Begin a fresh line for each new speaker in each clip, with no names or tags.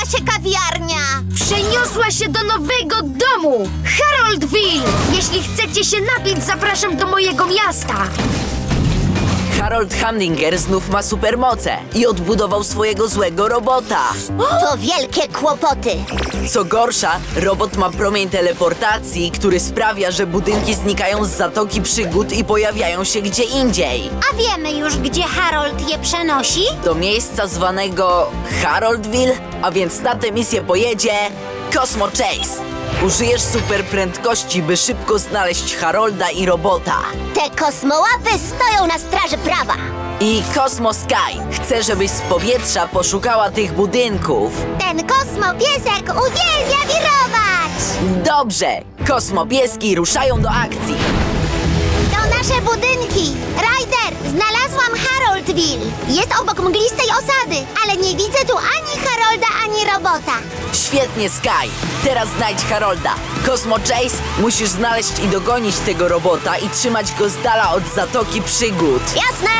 się kawiarnia?
Przeniosła się do nowego domu! Haroldville! Jeśli chcecie się napić, zapraszam do mojego miasta!
Harold Hamdinger znów ma supermoce i odbudował swojego złego robota.
To wielkie kłopoty.
Co gorsza, robot ma promień teleportacji, który sprawia, że budynki znikają z Zatoki Przygód i pojawiają się gdzie indziej.
A wiemy już, gdzie Harold je przenosi?
Do miejsca zwanego Haroldville, a więc na tę misję pojedzie Cosmo Chase. Użyjesz superprędkości, by szybko znaleźć Harolda i robota.
Te kosmołapy stoją na straży prawa.
I Cosmo Sky chce, żebyś z powietrza poszukała tych budynków.
Ten kosmopiesek uwielbia wirować.
Dobrze! Kosmopieski ruszają do akcji.
To nasze budynki. Ryder, znalazłam Haroldville. Jest obok mglistej osady, ale nie widzę tu ani Harolda, ani robota.
Świetnie, Sky! Teraz znajdź Harolda. Cosmo Chase, musisz znaleźć i dogonić tego robota i trzymać go z dala od Zatoki Przygód.
Jasne!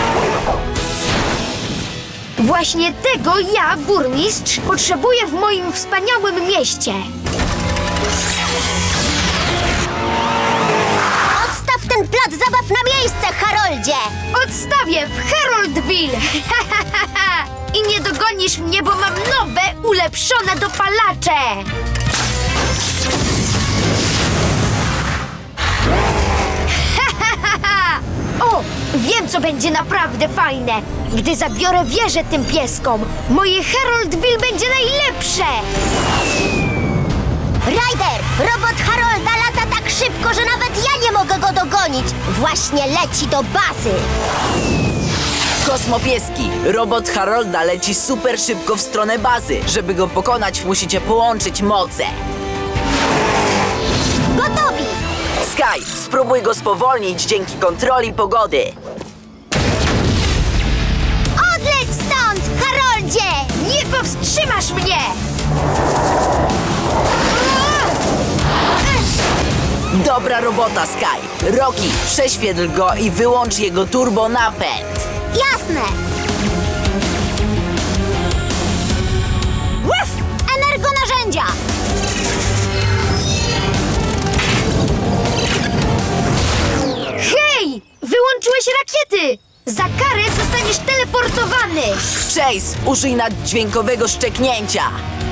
Właśnie tego ja, burmistrz, potrzebuję w moim wspaniałym mieście!
Odstaw ten plac zabaw na miejsce, Haroldzie!
Odstawię w Haroldville! I nie dogonisz mnie, bo mam nowe, ulepszone dopalacze! O, wiem, co będzie naprawdę fajne! Gdy zabiorę wieżę tym pieskom, moje Haroldville będzie najlepsze!
Ryder, robot Harolda lata tak szybko, że nawet ja nie mogę go dogonić. Właśnie leci do bazy.
Kosmopieski, robot Harolda leci super szybko w stronę bazy. Żeby go pokonać, musicie połączyć moce.
Gotowi!
Sky, spróbuj go spowolnić dzięki kontroli pogody.
Odleć stąd, Haroldzie!
Nie powstrzymasz mnie!
Dobra robota, Sky. Rocky, prześwietl go i wyłącz jego turbo napęd.
Jasne! Łuf! Energonarzędzia!
Hej! Wyłączyłeś rakiety! Za karę zostaniesz teleportowany!
Chase, użyj naddźwiękowego szczeknięcia.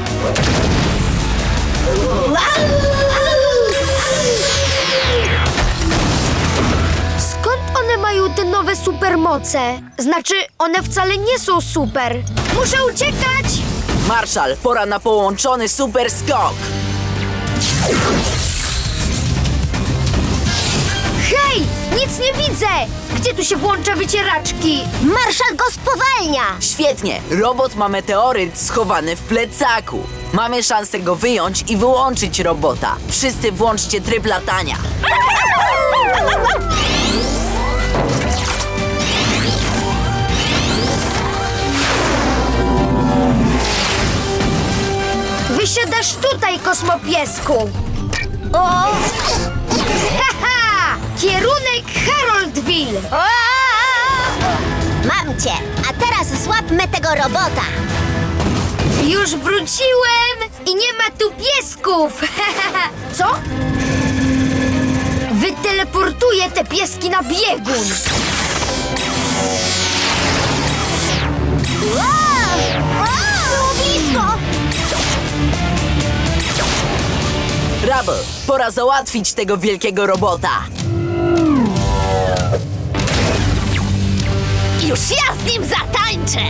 Skąd one mają te nowe supermoce? Znaczy, one wcale nie są super. Muszę uciekać!
Marshall, pora na połączony super skok.
Hej! Nic nie widzę! Gdzie tu się włącza wycieraczki?
Marszal go spowalnia!
Świetnie, robot ma meteoryt schowany w plecaku. Mamy szansę go wyjąć i wyłączyć robota. Wszyscy włączcie tryb latania.
Wysiadasz tutaj, kosmopiesku!
O!
Haha! Kierunek Haroldville!
Mam cię! A teraz złapmy tego robota!
Już wróciłem i nie ma tu piesków! Co? Wyteleportuję te pieski na biegun!
Było blisko!
Rubble, pora załatwić tego wielkiego robota.
Już ja z nim zatańczę!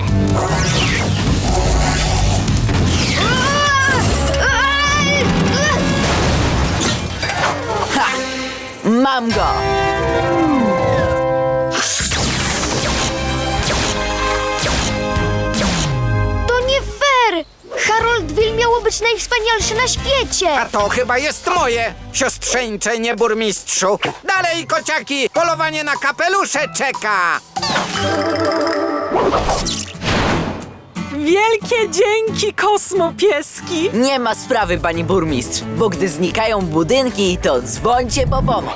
Ha! Mam go!
To nie fair! Haroldville miało być najwspanialsze na świecie!
A to chyba jest moje, siostrzeńcze, nie burmistrzu. Dalej, kociaki, polowanie na kapelusze czeka.
Wielkie dzięki, kosmopieski!
Nie ma sprawy, pani burmistrz, bo gdy znikają budynki, to dzwońcie po pomoc.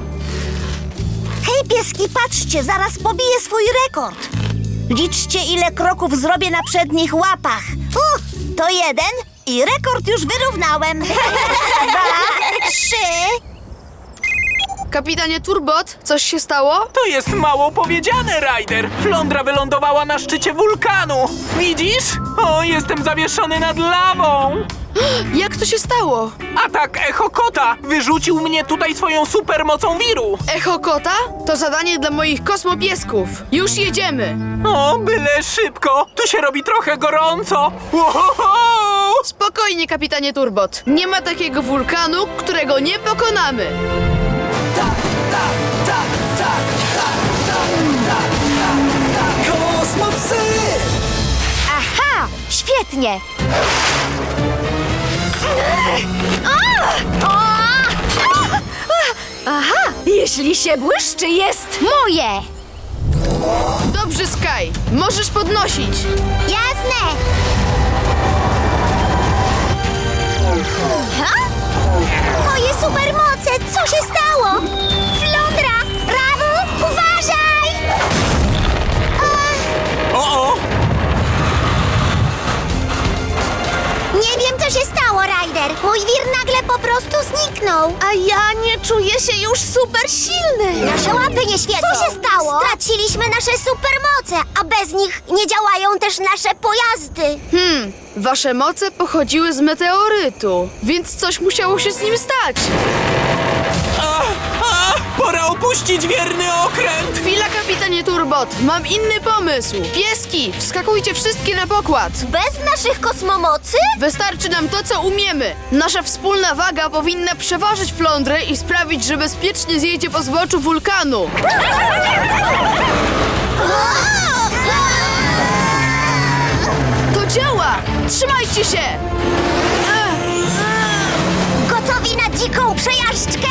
Hej, pieski, patrzcie, zaraz pobiję swój rekord. Liczcie, ile kroków zrobię na przednich łapach. To 1 i rekord już wyrównałem. 2, 3.
Kapitanie Turbot, coś się stało?
To jest mało powiedziane, Ryder. Flądra wylądowała na szczycie wulkanu. Widzisz? O, jestem zawieszony nad lawą.
Jak to się stało?
Atak Echo Kota wyrzucił mnie tutaj swoją supermocą wiru.
Echo Kota? To zadanie dla moich kosmopiesków. Już jedziemy.
O, byle szybko. Tu się robi trochę gorąco. Ohoho!
Spokojnie, kapitanie Turbot. Nie ma takiego wulkanu, którego nie pokonamy.
Kosmopsy!
Aha! Świetnie! Aha! Jeśli się błyszczy, jest moje!
Dobrze, Sky. Możesz podnosić.
Jasne. Ha? Moje supermoce, co się stało? Flądra! Rawu, uważaj!
O!
Nie wiem, co się stało, Ryder. Mój wir nagle po prostu zniknął. A ja nie czuję się już super silny. Nasze łapy nie świecą. Co się stało? Straciliśmy nasze supermoce, a bez nich nie działają też nasze pojazdy.
Wasze moce pochodziły z meteorytu, więc coś musiało się z nim stać.
Pora opuścić wierny okręt.
Chwila, kapitanie Turbot. Mam inny pomysł. Pieski, wskakujcie wszystkie na pokład.
Bez naszych kosmomocy?
Wystarczy nam to, co umiemy. Nasza wspólna waga powinna przeważyć flądrę i sprawić, że bezpiecznie zjedzie po zboczu wulkanu. To działa! Trzymajcie się!
Gotowi na dziką przejażdżkę?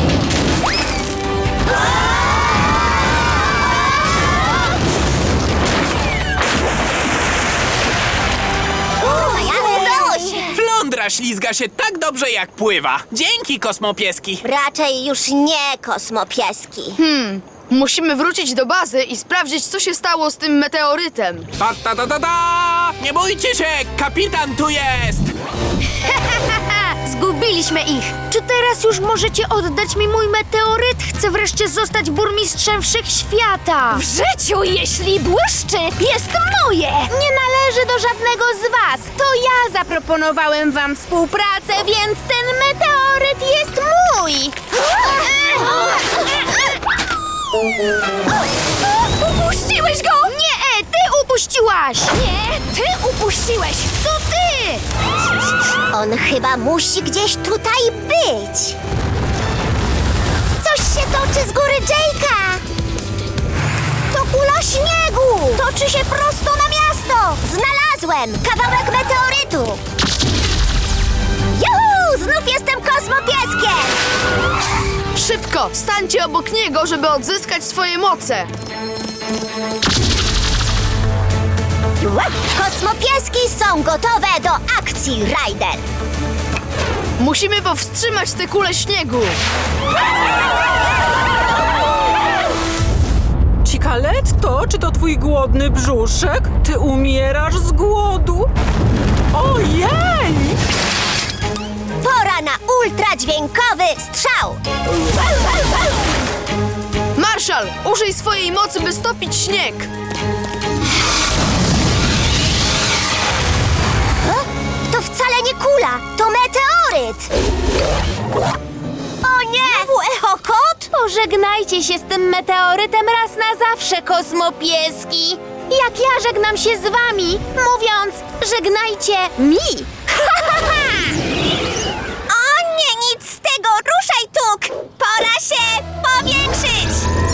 Udało się!
Flądra ślizga się tak dobrze, jak pływa. Dzięki, kosmopieski.
Raczej już nie kosmopieski.
Musimy wrócić do bazy i sprawdzić, co się stało z tym meteorytem.
Ta! Nie bójcie się, kapitan tu jest!
Zgubiliśmy ich! Czy teraz już możecie oddać mi mój meteoryt? Chcę wreszcie zostać burmistrzem wszechświata! W życiu, jeśli błyszczy, jest moje! Nie należy do żadnego z was! To ja zaproponowałem wam współpracę, więc ten meteoryt jest mój! Upuściłeś go! Nie, ty upuściłaś! Nie, ty upuściłeś! To ty!
On chyba musi gdzieś tutaj być. Coś się toczy z góry Jake'a. To kula śniegu. Toczy się prosto na miasto. Znalazłem kawałek meteorytu. Juhu! Znów jestem kosmopieskiem.
Szybko, stańcie obok niego, żeby odzyskać swoje moce.
Kosmopieski są gotowe do akcji, Ryder.
Musimy powstrzymać tę kulę śniegu.
Cikaletto, czy to twój głodny brzuszek? Ty umierasz z głodu. Ojej!
Pora na ultradźwiękowy strzał.
Marszal, użyj swojej mocy, by stopić śnieg.
To wcale nie kula, to meteoryt! O nie! Znowu echokot?
Pożegnajcie się z tym meteorytem raz na zawsze, kosmopieski! Jak ja żegnam się z wami, mówiąc, żegnajcie mi!
O nie, nic z tego! Ruszaj, Tuk! Pora się powiększyć!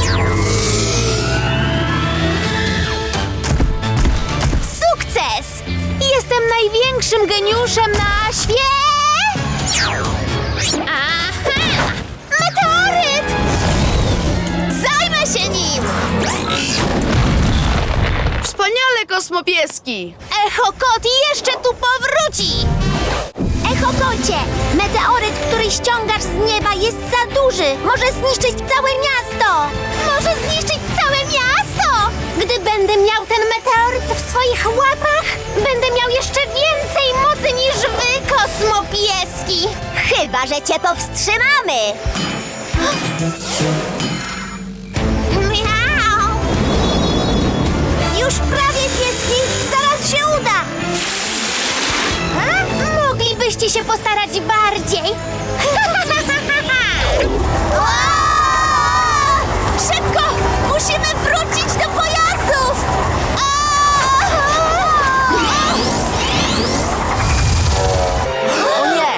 Sukces!
Jestem największym geniuszem na świecie!
Aha! Meteoryt! Zajmę się nim!
Wspaniale, kosmopieski!
Echokot jeszcze tu powróci! Echokocie! Meteoryt, który ściągasz z nieba, jest za duży! Może zniszczyć całe miasto! Może zniszczyć całe miasto! Gdy będę miał ten meteoryt w swoich łapach, będę miał jeszcze więcej kosmopieski! Chyba, że cię powstrzymamy! Miau! Już prawie, pieski! Zaraz się uda! A? Moglibyście się postarać bardziej! O! Szybko! Musimy wrócić do pojazdów!
O nie!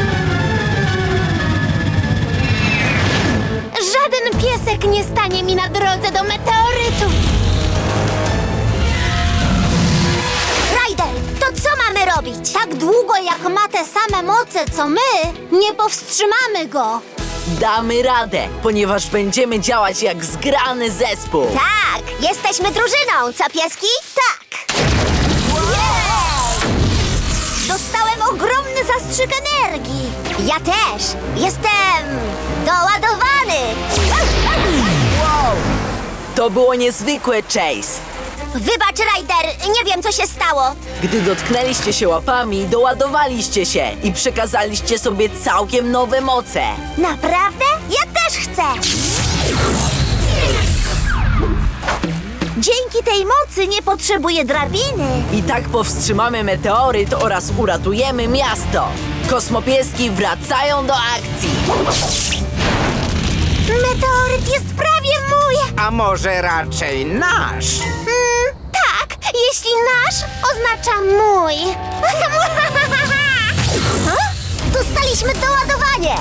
Żaden piesek nie stanie mi na drodze do meteorytu! Ryder, to co mamy robić? Tak długo jak ma te same moce co my, nie powstrzymamy go!
Damy radę, ponieważ będziemy działać jak zgrany zespół.
Tak, jesteśmy drużyną, co pieski? Tak! Jej! Dostałem ogromny zastrzyk energii! Ja też! Jestem doładowany!
To było niezwykłe, Chase.
Wybacz, Ryder, nie wiem, co się stało.
Gdy dotknęliście się łapami, doładowaliście się i przekazaliście sobie całkiem nowe moce.
Naprawdę? Ja też chcę! Dzięki tej mocy nie potrzebuję drabiny.
I tak powstrzymamy meteoryt oraz uratujemy miasto. Kosmopieski wracają do akcji.
Meteoryt jest prawie mój.
A może raczej nasz?
Tak, jeśli nasz oznacza mój. Ha? Dostaliśmy doładowanie.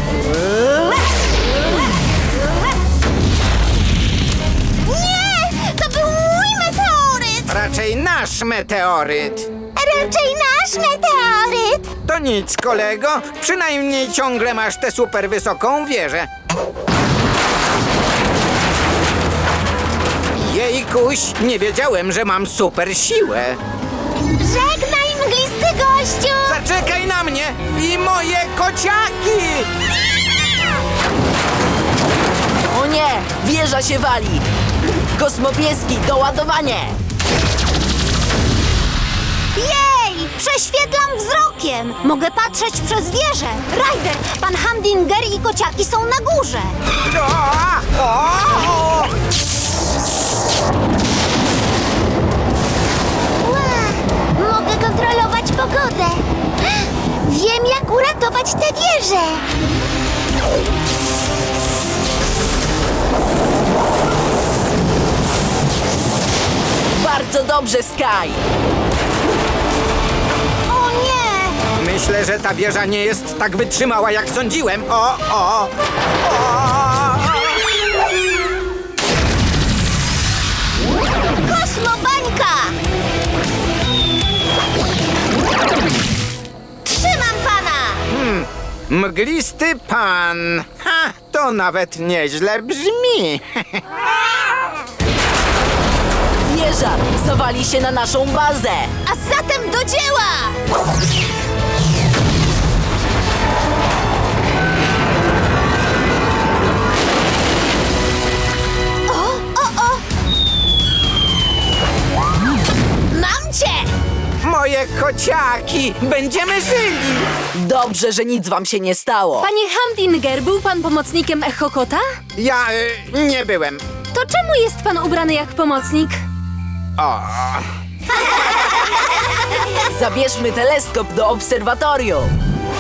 Nie, to był mój meteoryt.
Raczej nasz meteoryt.
Raczej nasz meteoryt.
To nic, kolego. Przynajmniej ciągle masz tę super wysoką wieżę. Jejkuś, nie wiedziałem, że mam super siłę.
Żegnaj, mglisty gościu.
Zaczekaj na mnie i moje kociaki!
O nie, wieża się wali. Kosmopieski, doładowanie.
Jej! Prześwietlam wzrokiem! Mogę patrzeć przez wieżę! Ryder, pan Hamdinger i kociaki są na górze! Mogę kontrolować pogodę! Wiem, jak uratować tę wieżę!
Bardzo dobrze, Sky.
O nie!
Myślę, że ta wieża nie jest tak wytrzymała, jak sądziłem. O!
Kosmobańka! Trzymam pana!
Mglisty pan. Ha, to nawet nieźle brzmi.
Wieża zawali się na naszą bazę.
A zatem do dzieła! O! Mam cię!
Moje kociaki! Będziemy żyli!
Dobrze, że nic wam się nie stało.
Panie Hamdinger, był pan pomocnikiem Echokota?
Ja nie byłem.
To czemu jest pan ubrany jak pomocnik?
O,
Zabierzmy teleskop do obserwatorium.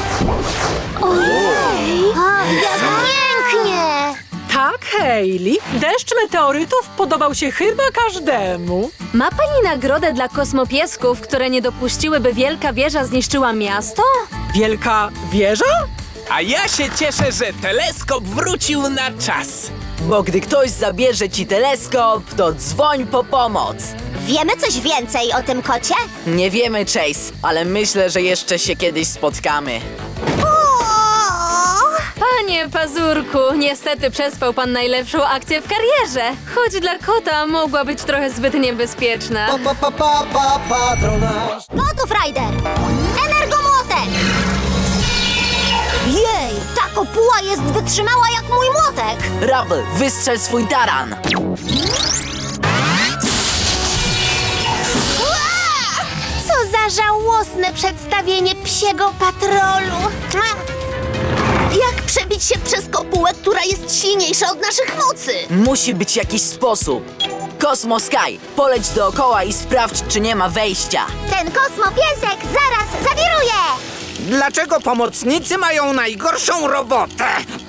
Ojej! Jak pięknie!
Tak, Hayley. Deszcz meteorytów podobał się chyba każdemu.
Ma pani nagrodę dla kosmopiesków, które nie dopuściły, wielka wieża zniszczyła miasto?
Wielka wieża?
A ja się cieszę, że teleskop wrócił na czas.
Bo gdy ktoś zabierze ci teleskop, to dzwoń po pomoc.
Wiemy coś więcej o tym kocie?
Nie wiemy, Chase, ale myślę, że jeszcze się kiedyś spotkamy.
Panie Pazurku, niestety przespał pan najlepszą akcję w karierze. Choć dla kota mogła być trochę zbyt niebezpieczna.
Gotów, Ryder! Energomłotek! Jej, ta kopuła jest wytrzymała jak mój młotek!
Rubble, wystrzel swój taran.
Co za żałosne głośne przedstawienie psiego patrolu. Jak przebić się przez kopułę, która jest silniejsza od naszych mocy?
Musi być jakiś sposób. Kosmo Sky, poleć dookoła i sprawdź, czy nie ma wejścia.
Ten kosmopiesek zaraz zawiruje!
Dlaczego pomocnicy mają najgorszą robotę?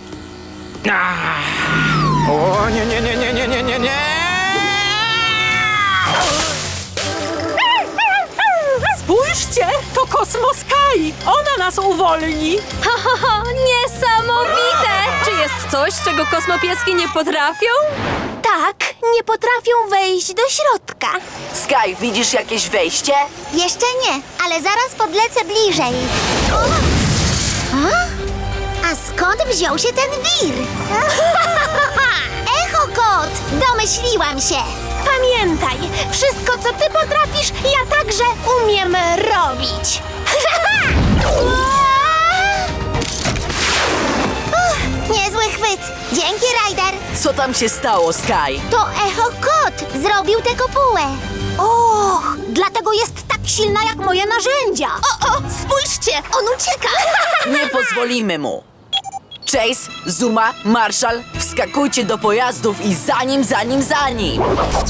O, nie, nie, nie, nie, nie, nie, nie, nie!
Spójrzcie, to Kosmo Sky! Ona nas uwolni!
Niesamowite! Czy jest coś, czego kosmopieski nie potrafią?
Tak, nie potrafią wejść do środka.
Sky, widzisz jakieś wejście?
Jeszcze nie, ale zaraz podlecę bliżej. A skąd wziął się ten wir? Echo Kot! Domyśliłam się! Pamiętaj, wszystko co ty potrafisz, ja także umiem robić. Niezły chwyt. Dzięki, Ryder.
Co tam się stało, Sky?
To Echo Kot zrobił tę kopułę. Och, dlatego jest tak silna jak moje narzędzia. O, spójrzcie, on ucieka.
Nie pozwolimy mu. Chase, Zuma, Marshall, wskakujcie do pojazdów i za nim!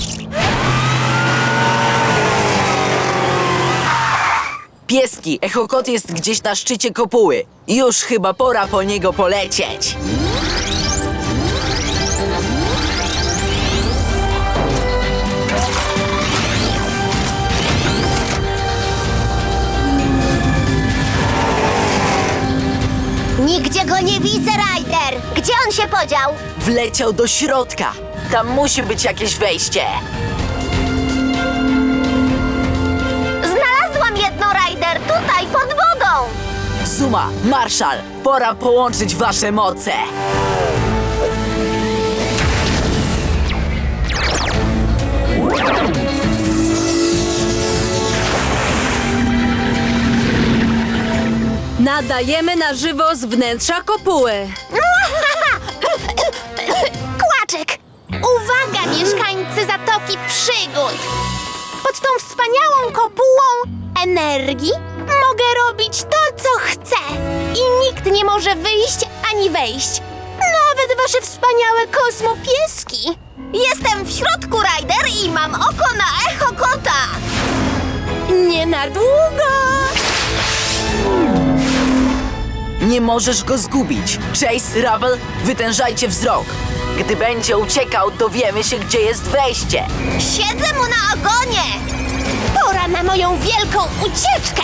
Pieski, Echokot jest gdzieś na szczycie kopuły. Już chyba pora po niego polecieć.
Nigdzie go nie widzę, Ryder. Gdzie on się podział?
Wleciał do środka. Tam musi być jakieś wejście.
Znalazłam jedno, Ryder, tutaj, pod wodą.
Zuma, Marshall, pora połączyć wasze moce.
Nadajemy na żywo z wnętrza kopuły.
Kłaczek! Uwaga, mieszkańcy Zatoki Przygód! Pod tą wspaniałą kopułą energii mogę robić to, co chcę. I nikt nie może wyjść ani wejść. Nawet wasze wspaniałe kosmopieski. Jestem w środku, Ryder, i mam oko na Echo Kota. Nie na długo.
Nie możesz go zgubić. Chase, Rubble, wytężajcie wzrok. Gdy będzie uciekał, dowiemy się, gdzie jest wejście.
Siedzę mu na ogonie. Pora na moją wielką ucieczkę.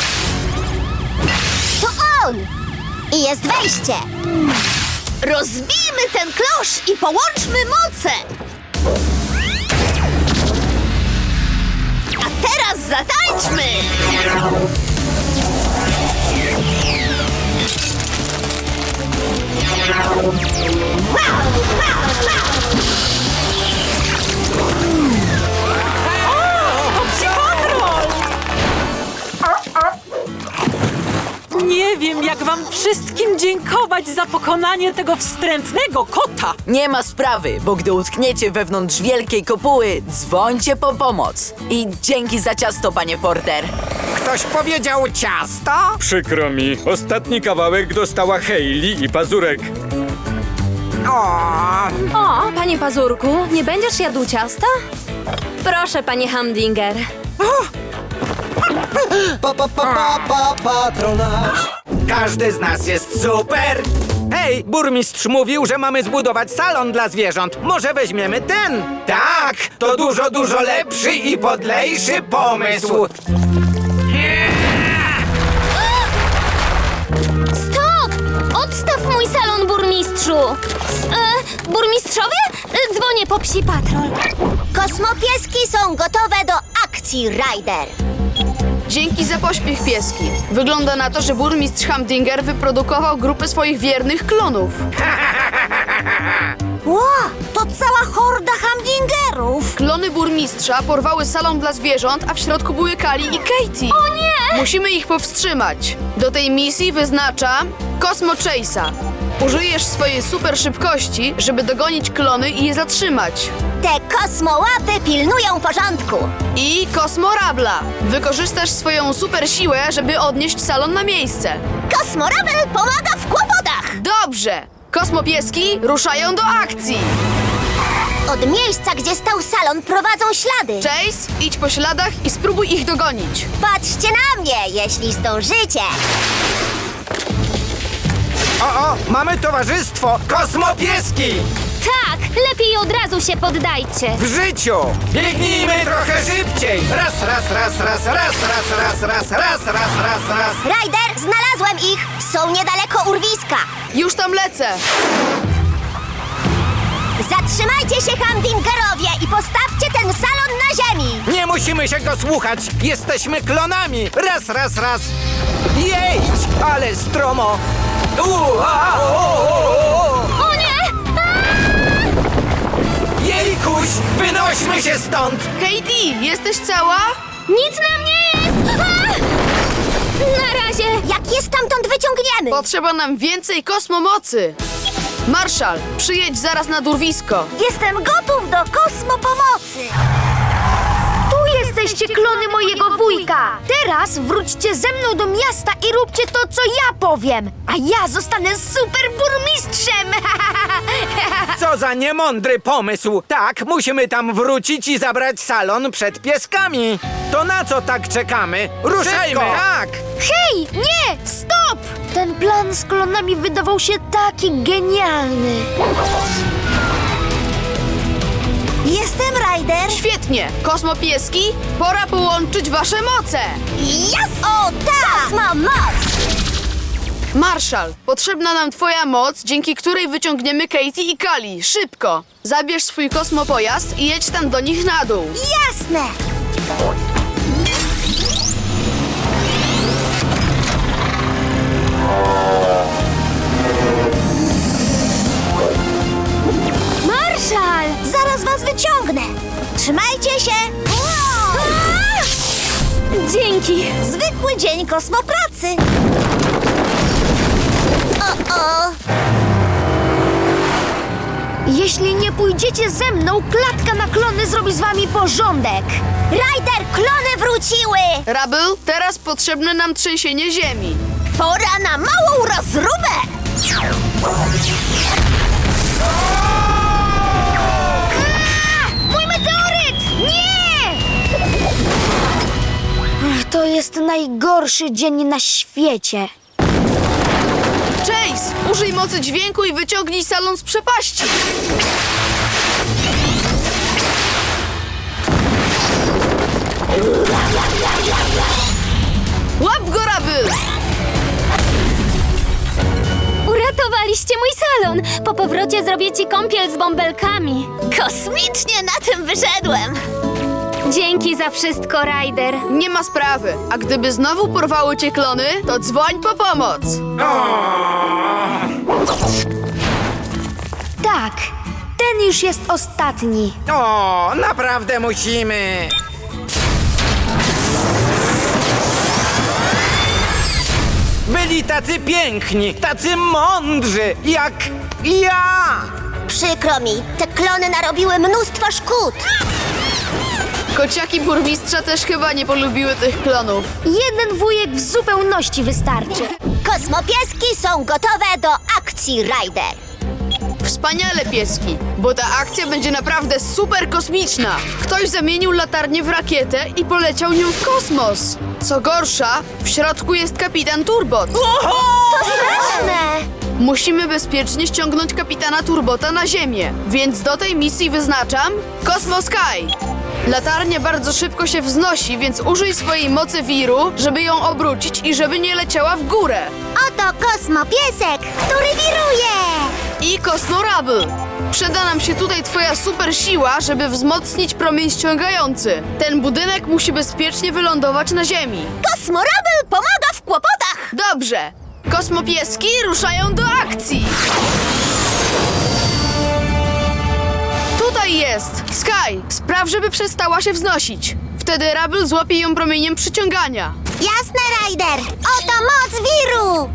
To on. I jest wejście. Rozbijmy ten klosz i połączmy moce. A teraz zatańczmy.
Nie wiem, jak wam wszystkim dziękować za pokonanie tego wstrętnego kota.
Nie ma sprawy, bo gdy utkniecie wewnątrz wielkiej kopuły, dzwońcie po pomoc. I dzięki za ciasto, panie Porter.
Ktoś powiedział ciasto?
Przykro mi, ostatni kawałek dostała Hayley i Pazurek.
O, panie Pazurku, nie będziesz jadł ciasta? Proszę, panie Humdinger.
Patronaż.
Każdy z nas jest super! Hej, burmistrz mówił, że mamy zbudować salon dla zwierząt. Może weźmiemy ten? Tak, to dużo, dużo lepszy i podlejszy pomysł.
Stop! Odstaw mój salon, burmistrzu! Burmistrzowie? Dzwonię po psi patrol. Kosmopieski są gotowe do akcji, Ryder.
Dzięki za pośpiech, pieski. Wygląda na to, że burmistrz Humdinger wyprodukował grupę swoich wiernych klonów.
Ło, to cała horda Humdingerów.
Klony burmistrza porwały salon dla zwierząt, a w środku były Kali i Katie. O nie! Musimy ich powstrzymać. Do tej misji wyznaczam Kosmo Chase'a. Użyjesz swojej super szybkości, żeby dogonić klony i je zatrzymać.
Te kosmołapy pilnują porządku.
I Kosmorabla. Wykorzystasz swoją super siłę, żeby odnieść salon na miejsce.
Kosmorabel pomaga w kłopotach.
Dobrze. Kosmopieski ruszają do akcji.
Od miejsca, gdzie stał salon, prowadzą ślady.
Chase, idź po śladach i spróbuj ich dogonić.
Patrzcie na mnie, jeśli zdążycie.
O, mamy towarzystwo Kosmopieski!
Tak, lepiej od razu się poddajcie.
W życiu! Biegnijmy trochę szybciej! Raz, raz, raz, raz, raz, raz, raz, raz, raz, raz, raz, raz.
Ryder, znalazłem ich. Są niedaleko urwiska.
Już tam lecę.
Zatrzymajcie się, Humdingerowie, i postawcie ten salon na ziemi.
Nie musimy się go słuchać! Jesteśmy klonami! Raz, raz, raz! Jedź! Ale stromo!
O nie!
Jejkuś! Wynośmy się stąd!
Katie, jesteś cała?
Nic nam nie jest! Na razie!
Jak je stamtąd wyciągniemy?
Potrzeba nam więcej kosmomocy. Marszal, przyjedź zaraz na urwisko.
Jestem gotów do kosmopomocy.
Tu jesteście, klony mojego wujka! Teraz wróćcie ze mną do miasta i róbcie to, co ja powiem! A ja zostanę super burmistrzem!
Co za niemądry pomysł! Tak, musimy tam wrócić i zabrać salon przed pieskami! To na co tak czekamy? Ruszajmy! Tak!
Hej, nie! Stop! Ten plan z klonami wydawał się taki genialny.
Jestem Ryder.
Świetnie. Kosmopieski, pora połączyć wasze moce.
Jas! O, tak! Kosmo moc!
Marszal, potrzebna nam twoja moc, dzięki której wyciągniemy Katie i Kali. Szybko! Zabierz swój kosmopojazd i jedź tam do nich na dół.
Jasne!
Marszal!
Zaraz was wyciągnę. Trzymajcie się.
Dzięki!
Zwykły dzień kosmopracy. O.
Jeśli nie pójdziecie ze mną, klatka na klony zrobi z wami porządek.
Ryder, klony wróciły.
Rabel, teraz potrzebne nam trzęsienie ziemi.
Pora na małą rozróbę.
Mój meteoryt! Nie! To jest najgorszy dzień na świecie.
Chase, użyj mocy dźwięku i wyciągnij salon z przepaści. Łap go, Rabel!
Uratowaliście mój salon! Po powrocie zrobię ci kąpiel z bąbelkami.
Kosmicznie na tym wyszedłem.
Dzięki za wszystko, Ryder.
Nie ma sprawy. A gdyby znowu porwały cię klony, to dzwoń po pomoc.
Tak, ten już jest ostatni.
O, naprawdę musimy! Byli tacy piękni, tacy mądrzy, jak ja!
Przykro mi, te klony narobiły mnóstwo szkód.
Kociaki burmistrza też chyba nie polubiły tych klonów.
Jeden wujek w zupełności wystarczy.
Kosmopieski są gotowe do akcji, Ryder.
Wspaniale, pieski, bo ta akcja będzie naprawdę super kosmiczna. Ktoś zamienił latarnię w rakietę i poleciał nią w kosmos. Co gorsza, w środku jest kapitan Turbot.
Straszne!
Musimy bezpiecznie ściągnąć kapitana Turbota na Ziemię, więc do tej misji wyznaczam Cosmo Sky. Latarnia bardzo szybko się wznosi, więc użyj swojej mocy wiru, żeby ją obrócić i żeby nie leciała w górę.
Oto kosmopiesek, który wiruje.
I Kosmorabel. Przyda nam się tutaj twoja super siła, żeby wzmocnić promień ściągający. Ten budynek musi bezpiecznie wylądować na Ziemi.
Kosmorabel pomaga w kłopotach.
Dobrze. Kosmopieski ruszają do akcji. Tutaj jest. Sky, spraw, żeby przestała się wznosić. Wtedy Rabel złapie ją promieniem przyciągania.
Jasne, Ryder. Oto moc wiru.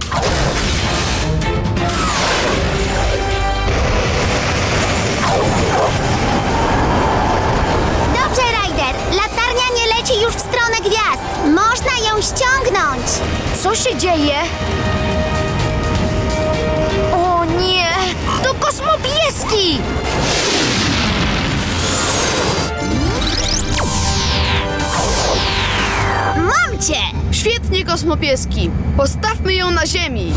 Co się dzieje? O nie! To kosmopieski!
Mam cię!
Świetnie, kosmopieski. Postawmy ją na ziemi.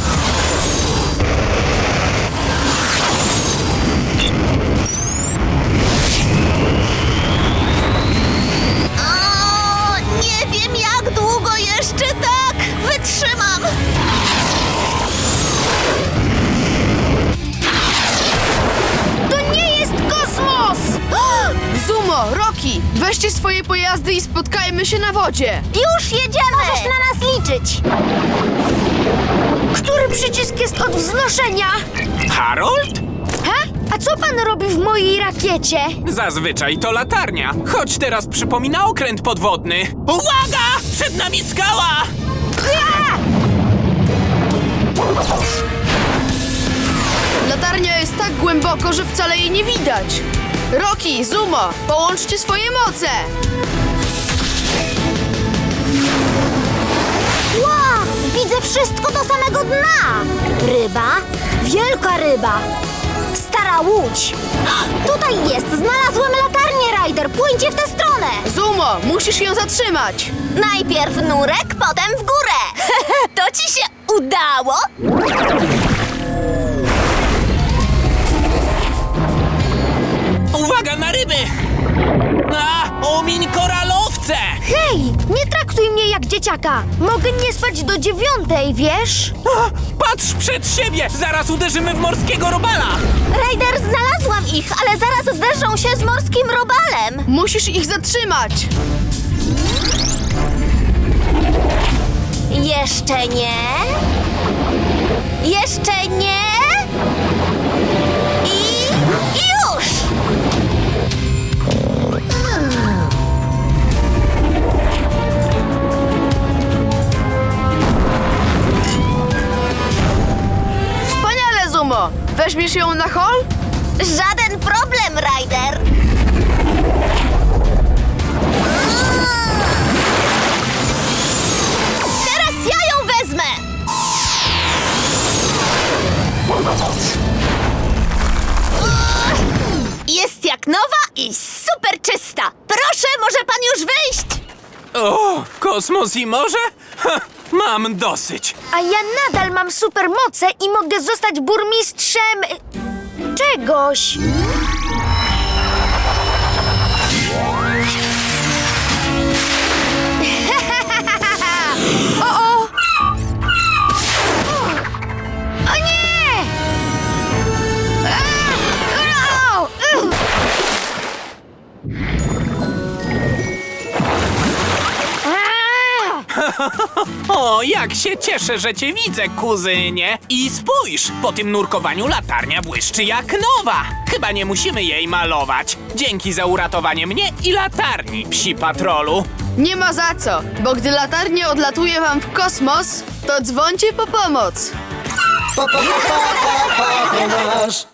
O, nie wiem, jak długo jeszcze tak wytrzymam.
To nie jest kosmos!
Zumo, Rocky, weźcie swoje pojazdy i spotkajmy się na wodzie.
Już jedziemy! Możesz na nas liczyć.
Który przycisk jest od wznoszenia?
Harold?
Ha? A co pan robi w mojej rakiecie?
Zazwyczaj to latarnia, choć teraz przypomina okręt podwodny. Uwaga! Przed nami skała!
Latarnia jest tak głęboko, że wcale jej nie widać. Rocky, Zumo, połączcie swoje moce.
Wow, widzę wszystko do samego dna. Ryba, wielka ryba, stara łódź. Tutaj jest, znalazłem latarnię, Ryder. Płyńcie w tę stronę.
Zumo, musisz ją zatrzymać.
Najpierw nurek, potem w górę. To ci się udało?
Uwaga na ryby! Omiń koralowce!
Hej, nie traktuj mnie jak dzieciaka. Mogę nie spać do 9, wiesz?
Patrz przed siebie! Zaraz uderzymy w morskiego robala!
Ryder, znalazłam ich, ale zaraz zderzą się z morskim robalem.
Musisz ich zatrzymać.
Jeszcze nie. Jeszcze nie. I już!
Wspaniale, Zumo. Weźmiesz ją na hol?
Żaden problem, Ryder. Teraz ja ją wezmę. Jest jak nowa i super czysta. Proszę, może pan już wyjść?
O, kosmos i morze? Ha, mam dosyć.
A ja nadal mam supermoce i mogę zostać burmistrzem... czegoś. O! O nie! Au!
O, jak się cieszę, że cię widzę, kuzynie. I spójrz, po tym nurkowaniu latarnia błyszczy jak nowa. Chyba nie musimy jej malować. Dzięki za uratowanie mnie i latarni, psi patrolu.
Nie ma za co, bo gdy latarnia odlatuje wam w kosmos, to dzwońcie po pomoc.